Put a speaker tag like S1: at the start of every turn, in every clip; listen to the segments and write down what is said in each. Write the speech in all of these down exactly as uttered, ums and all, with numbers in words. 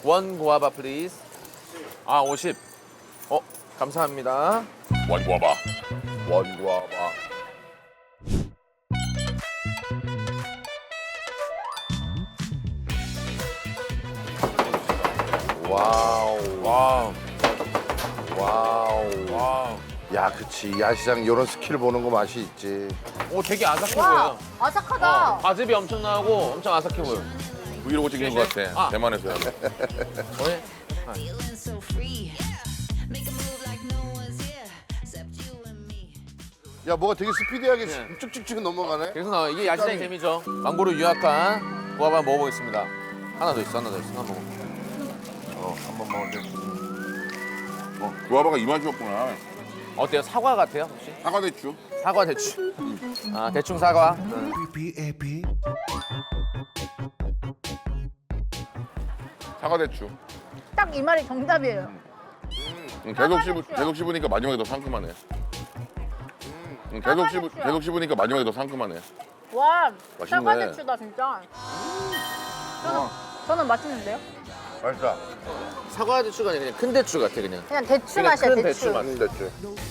S1: 원 구아바 플리즈. 아, 오십. 어, 감사합니다.
S2: 원구아바. 원구아바.
S3: 와우.
S1: 와우.
S3: 와우.
S1: 와우.
S3: 야, 그치. 야시장 이런 스킬 보는 거 맛이 있지.
S1: 오, 되게 아삭해
S4: 와,
S1: 보여.
S4: 아삭하다.
S1: 어, 과즙이 엄청 나고 엄청 아삭해 보여.
S2: 브이로그 찍는 것 같아.
S1: 아.
S2: 대만에서요.
S1: 왜?
S5: Feeling so free. Make a move like no one's here except you and me.
S3: 야, 뭐가 되게 스피디하게
S1: 네.
S3: 쭉쭉쭉 넘어가네.
S1: 계속 나와. 이게 야시장의 재미죠. 망고로 유약한 구아바 먹어보겠습니다. 하나 더 있어, 하나 더 있어. 하나 먹어.
S3: 어, 한번 먹어줘.
S2: 어, 구아바가 이 맛이었구나.
S1: 어때요? 사과 같아요, 혹시?
S2: 사과 대추.
S1: 사과 대추. 아, 대충 사과.
S2: 사과 대추.
S4: 딱 이 말이 정답이에요.
S2: 응, 계속 씹으
S4: 대추야.
S2: 계속 씹으니까 마지막에 더 상큼하네. 응, 계속 씹으
S4: 대추야.
S2: 계속 씹으니까 마지막에 더 상큼하네.
S4: 와,
S2: 맛있네.
S4: 사과대추다 진짜. 저는, 저는 맛있는데요?
S3: 맛있다.
S1: 사과 대추가 아니라 그냥 큰 대추 같아, 그냥.
S4: 그냥 대추
S1: 그냥
S4: 맛이야,
S1: 큰
S4: 대추.
S1: 대추 맛.
S3: 음, 됐지.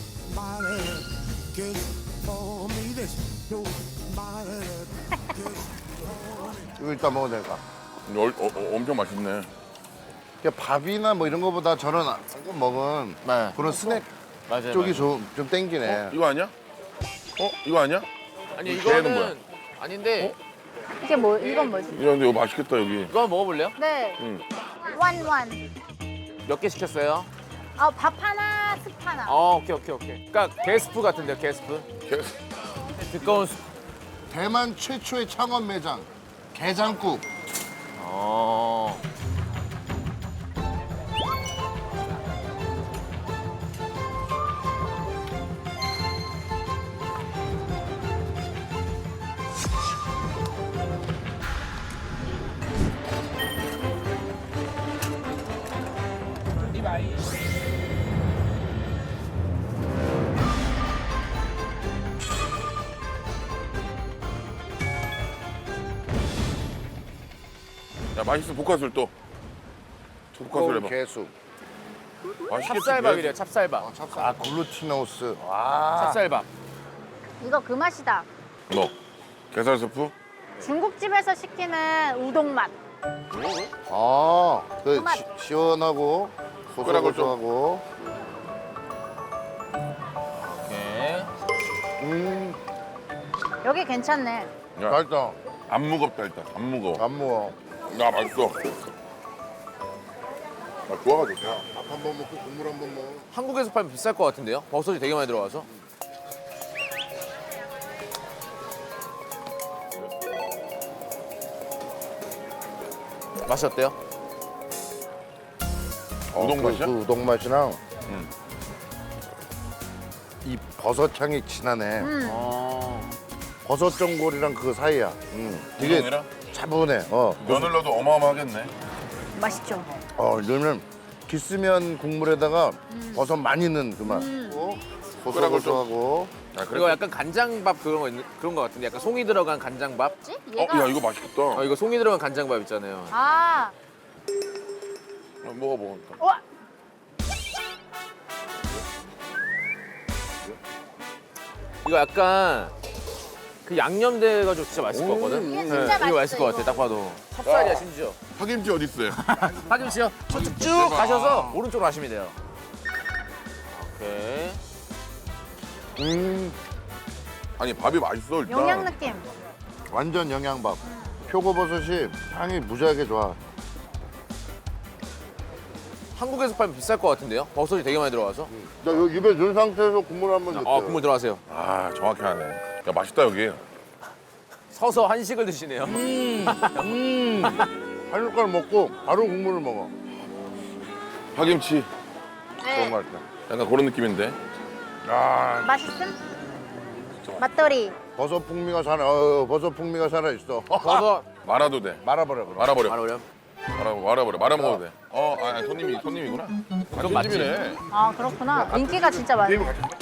S3: 이거 이따 먹어도 될까?
S2: 어, 어, 어, 엄청 맛있네.
S3: 그냥 밥이나 뭐 이런 거보다 저는 방금 먹은
S1: 네.
S3: 그런 스낵
S1: 맞아요.
S3: 쪽이
S1: 맞아요.
S3: 좀, 좀 땡기네.
S2: 이거 아니야? 어? 이거 아니야?
S1: 아니,
S2: 걔는 뭐야?
S1: 이거는 아닌데.
S4: 이게 뭐, 이건 뭐지?
S2: 이런데 이거 맛있겠다 여기.
S1: 이거 한번 먹어볼래요?
S4: 네.
S2: 응.
S4: 완완.
S1: 몇 개 시켰어요?
S4: 아, 밥 하나, 습 하나.
S1: 어, 오케이, 오케이, 오케이. 그러니까 게스프 같은데요, 게스프.
S2: 개-
S1: 두꺼운 수.
S3: 대만 최초의 창원 매장 게장국.
S1: 어.
S2: 야 맛있어 볶아술 또. 볶아술 해봐.
S3: 개수.
S2: 맛있겠지.
S1: 찹쌀밥이래요, 찹쌀밥.
S3: 아, 글루티노스. 와.
S1: 찹쌀밥.
S4: 이거 그 맛이다.
S2: 너 게살 스프?
S4: 중국집에서 시키는 우동 맛.
S3: 아, 그
S4: 그 맛.
S3: 시, 시원하고
S2: 숟가락을 좀-
S3: 고소고소하고.
S1: 오케이.
S3: 음,
S4: 여기 괜찮네.
S2: 야,
S3: 맛있다.
S2: 안 무겁다 일단. 안 무거워.
S3: 안 먹어.
S2: 야 맛있어. 아 좋아가지고.
S3: 밥 한 번 먹고 국물 한 번 먹어.
S1: 한국에서 팔면 비쌀 것 같은데요? 버섯이 되게 많이 들어가서. 맛이 어때요?
S2: 우동
S3: 그,
S2: 맛이야?
S3: 그 우동 맛이랑
S2: 응.
S3: 이 버섯 향이 진하네.
S4: 음.
S1: 어.
S3: 버섯 전골이랑 그 사이야. 음, 되게
S2: 우동이랑?
S3: 차분해. 어,
S2: 면을 넣어도 어마어마하겠네.
S4: 맛있죠?
S3: 어, 이러면 기스면 국물에다가 버섯 많이 넣은 그 맛. 어?
S2: 숟가락을 좀-
S3: 고소고소하고.
S2: 야,
S1: 그리고 약간 간장밥 그런 거 있는, 그런 거 같은데 약간 송이 들어간 간장밥.
S4: 뭐지?
S2: 어,
S4: 얘가
S2: 야 이거 맛있겠다.
S1: 어, 이거 송이 들어간 간장밥 있잖아요.
S4: 아,
S2: 어, 먹어봐. 일단.
S4: 와,
S1: 이거 약간 그 양념돼가지고 진짜 맛있을 것 같거든.
S4: 이게 진짜
S1: 이거
S4: 맛있어,
S1: 맛있을 것 같아,
S4: 이거.
S1: 딱 봐도. 찹쌀이야 심지어.
S2: 파김치 어디 있어요?
S1: 파김치요? 저쪽 쭉 가셔서 오른쪽으로 가시면 돼요. 오케이.
S3: 음,
S2: 아니 밥이 맛있어 일단.
S4: 영양 느낌.
S3: 완전 영양밥. 표고버섯이 향이 무지하게 좋아.
S1: 한국에서 팔면 비쌀 것 같은데요? 버섯이 되게 많이 들어가서.
S3: 나 여기 입에 넣은 상태에서 국물 한번 넣을게.
S1: 아, 국물 들어가세요.
S2: 아 정확히 하네. 야 맛있다 여기.
S1: 서서 한식을 드시네요.
S3: 한 숟갈 먹고 바로 국물을 먹어.
S2: 파김치.
S4: 네.
S3: 너무 맛있다.
S2: 약간 그런 느낌인데.
S3: 아,
S4: 맛있음? 맛돌이.
S3: 버섯 풍미가 살아. 어, 버섯 풍미가 살아 있어.
S1: 버섯
S2: 말아도 돼.
S3: 말아버려 그럼.
S2: 말아버려.
S1: 말하면
S2: 말아 말아버려. 말아 먹어도 돼. 어, 아 아니, 손님이 손님이구나.
S1: 그건
S2: 같은 집이네.
S4: 아, 그렇구나. 인기가 진짜 많아.
S2: 게임 같이.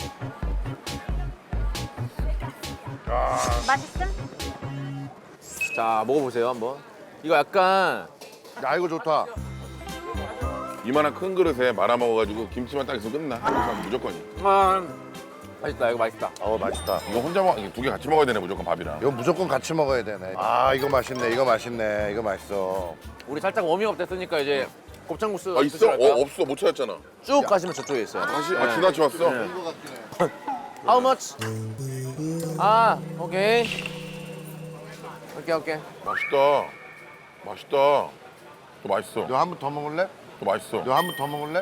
S4: 맛있음?
S1: 자 먹어보세요 한번. 이거 약간
S3: 야, 이거 좋다.
S2: 이만한 큰 그릇에 말아 먹어가지고 김치만 딱 있으면 끝나. 한국 사람 무조건이.
S1: 아, 맛있다. 이거 맛있다.
S3: 어 맛있다.
S2: 이거 혼자 먹, 두 개 같이 먹어야 되네 무조건 밥이랑.
S3: 이거 무조건 같이 먹어야 되네. 아 이거 맛있네. 이거 맛있네. 이거 맛있어.
S1: 우리 살짝 워밍업 됐으니까 이제 곱창국수
S2: 아 있어?
S1: 드실까요?
S2: 어 없어 못 찾았잖아.
S1: 쭉 가시면 저쪽에 있어요.
S2: 다시 아 지나쳐 왔어.
S1: How much? 아, 오케이. 오케이, 오케이.
S2: 맛있다. 맛있다. 또 맛있어.
S3: 너 한 번 더 먹을래?
S2: 또 맛있어.
S3: 너 한 번 더 먹을래?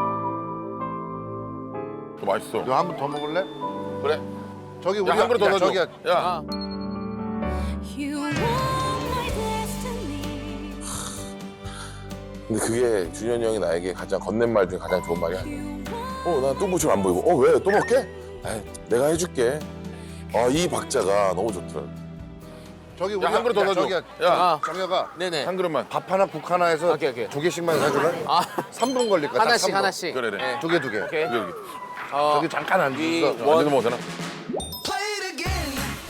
S2: 또 맛있어.
S3: 너 한 번 더 먹을래?
S2: 그래.
S3: 저기 우리
S2: 야 한 그릇 더
S3: 야,
S2: 넣어줘.
S3: 저기야.
S2: 야.
S1: 아,
S5: You are my destiny.
S6: 근데 그게 준현이 형이 나에게 가장 건넨 말 중에 가장 좋은 말이 아니야. 어, 난 또 무침 안 보이고. 어, 왜? 또 먹게? 에이, 내가 해줄게. 아, 이 박자가 너무 좋더라.
S3: 저기 우리
S2: 야 한 그릇 더
S3: 야,
S2: 넣어줘.
S3: 저기야.
S2: 야.
S1: 아,
S3: 정혁아
S1: 네네.
S2: 한 그릇만.
S3: 밥 하나 국 하나 해서
S1: 오케이, 오케이.
S3: 두 개씩만 사줄래?
S1: 아,
S3: 삼 분 걸릴 거야.
S1: 하나씩, 하나씩.
S2: 그래, 그래.
S1: 네.
S3: 두 개 두 개.
S1: 오케이.
S2: 여기 여기.
S1: 어,
S3: 저기 잠깐 앉아
S1: 위,
S3: 있어.
S2: 어, 앉아서 먹어도 되나?
S7: Play it again.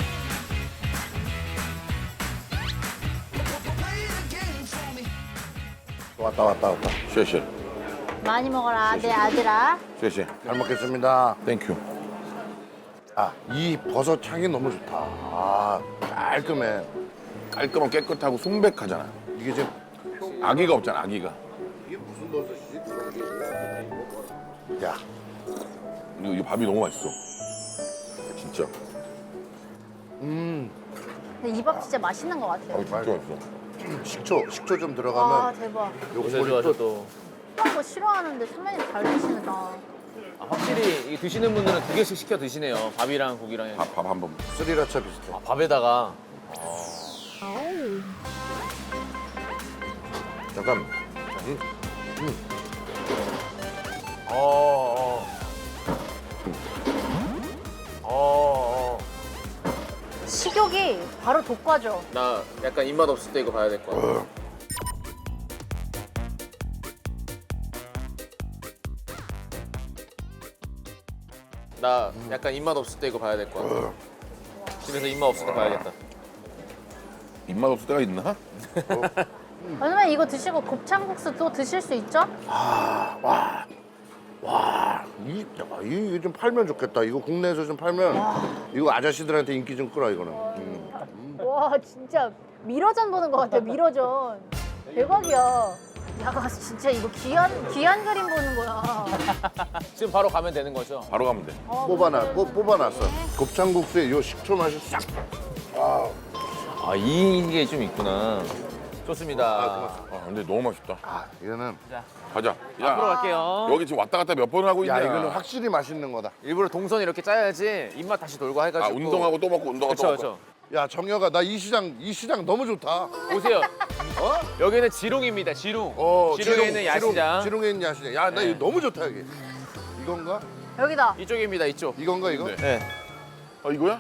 S7: Play it again for me.
S3: 왔다 왔다 왔다.
S2: 쉐쉐.
S4: 많이 먹어라 내 아들아.
S2: 쉐쉐.
S3: 잘 먹겠습니다.
S2: 땡큐.
S3: 아, 이 버섯 향이 너무 좋다. 아, 깔끔해.
S2: 깔끔하고 깨끗하고 순백하잖아.
S3: 이게 지금
S2: 아기가 없잖아 아기가.
S3: 이게 무슨 버섯이지? 야,
S2: 이거, 이거 밥이 너무 맛있어. 진짜.
S3: 음,
S4: 근데 이 밥 진짜 맛있는 것 같아요.
S2: 밥이 진짜 맛있어.
S3: 식초, 식초 좀
S4: 와
S3: 들어가면
S4: 대박.
S3: 요
S1: 요새
S3: 국물이
S1: 좋아서
S3: 또
S1: 또.
S4: 그런 거 싫어하는데 선배님 잘 드신다.
S1: 아, 확실히 이 드시는 분들은 두 개씩 시켜 드시네요. 밥이랑 국이랑. 해서.
S2: 밥 밥 한 번.
S3: 스리라차 비슷해.
S1: 아, 밥에다가.
S3: 잠깐.
S1: 어, 어. 어, 어.
S4: 식욕이 바로 돋궈져.
S1: 나 약간 입맛 없을 때 이거 봐야 될 것 같아. 나 약간 입맛 없을 때 이거 봐야 될 것 같아. 집에서 입맛 없을 때 봐야겠다.
S2: 입맛 없을 때가 있나?
S4: 선배님 이거 드시고 곱창국수 또 드실 수 있죠?
S3: 와, 이, 야, 이거 좀 팔면 좋겠다. 이거 국내에서 좀 팔면 이거 아저씨들한테 인기 좀 끌어 이거는. 음.
S4: 와 진짜 미러전 보는 것 같아요. 미러전. 대박이야. 야 진짜 이거 귀한 귀한 그림 보는 거야.
S1: 지금 바로 가면 되는 거죠?
S2: 바로 가면 돼.
S3: 뽑아놔, 뽑, 뽑아놨어. 곱창국수에 요 식초 맛이 싹.
S1: 아 이게 좀 있구나. 좋습니다.
S2: 아 근데 너무 맛있다.
S3: 아, 이거는
S2: 가자.
S1: 앞으로
S2: 야
S1: 갈게요.
S2: 여기 지금 왔다 갔다 몇 번 하고 있냐?
S3: 야 이거는 확실히 맛있는 거다.
S1: 일부러 동선 이렇게 짜야지 입맛 다시 돌고 해가지고.
S2: 아 운동하고 또 먹고 운동하고
S1: 그렇죠,
S2: 또 먹고.
S1: 그렇죠.
S3: 야 정혁아, 나 이 시장 이 시장 너무 좋다.
S1: 보세요. 여기는 지롱입니다. 지롱.
S3: 어,
S1: 지롱에 있는 야시장.
S3: 지롱, 지롱에 있는 야시장. 야, 나
S1: 네.
S3: 이거 너무 좋다 여기. 이건가?
S4: 여기다.
S1: 이쪽입니다. 이쪽.
S3: 이건가 이거?
S2: 네.
S1: 네.
S2: 아 이거야?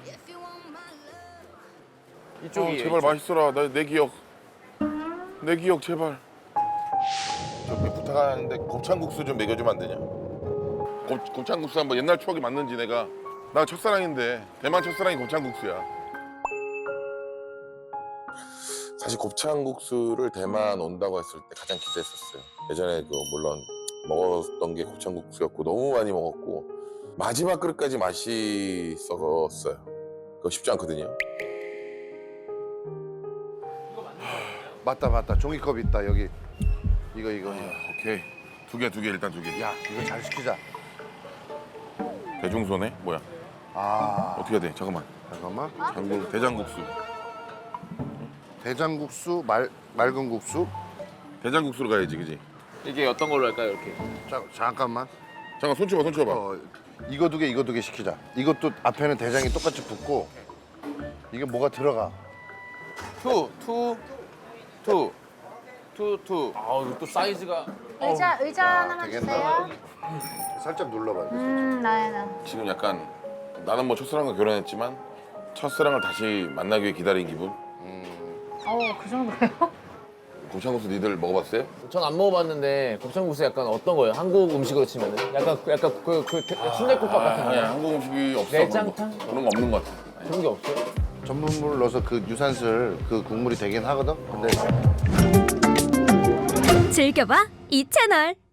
S1: 이쪽이.
S2: 어, 제발 맛있어라. 나 내 기억. 내 기억 제발. 저기 부탁하는데 곱창국수 좀 먹여주면 안 되냐? 곱, 곱창국수 한번 옛날 추억이 맞는지 내가. 나 첫사랑인데 대만 첫사랑이 곱창국수야.
S6: 사실 곱창국수를 대만 온다고 했을 때 가장 기대했었어요. 예전에 그 물론 먹었던 게 곱창국수였고 너무 많이 먹었고 마지막 그릇까지 맛있었어요. 그거 쉽지 않거든요.
S3: 맞다 맞다. 종이컵 있다 여기. 이거 이거. 이거.
S2: 오케이. 두 개 두 개 일단 두 개.
S3: 야 이거 잘 시키자.
S2: 대중소네? 뭐야?
S3: 아
S2: 어떻게 해야 돼? 잠깐만.
S3: 잠깐만.
S2: 장국 대장국수.
S3: 대장국수 말 맑은 국수.
S2: 대장국수로 가야지, 그지?
S1: 이게 어떤 걸로 할까요? 이렇게.
S3: 자 잠깐만.
S2: 잠깐 손 쳐봐, 손 쳐봐.
S3: 어, 이거 두 개 이거 두 개 시키자. 이것도 앞에는 대장이 똑같이 붙고 이게 뭐가 들어가.
S1: 투, 투, 투, 투, 투. 아, 이거 또 사이즈가.
S4: 의자 의자
S3: 야,
S4: 하나만
S3: 되겠다.
S4: 주세요.
S3: 살짝 눌러봐.
S4: 음 나야나.
S2: 지금 약간 나는 뭐 첫사랑과 결혼했지만 첫사랑을 다시 만나기 위해 기다린 기분?
S4: 어그 정도예요?
S2: 곱창국수 니들 먹어봤어요?
S1: 전 안 먹어봤는데 곱창국수 약간 어떤 거예요? 한국 음식으로 치면은 약간 그- 약간 그, 그 순대국밥 같은 거
S2: 아니 한국 음식이 없어.
S1: 내장탕?
S2: 그런 거, 그런 거 없는 것 같아.
S1: 그런 게 없어요?
S3: 전분물을 넣어서 그 유산슬 그 국물이 되긴 하거든. 근데
S8: 즐겨봐 이 채널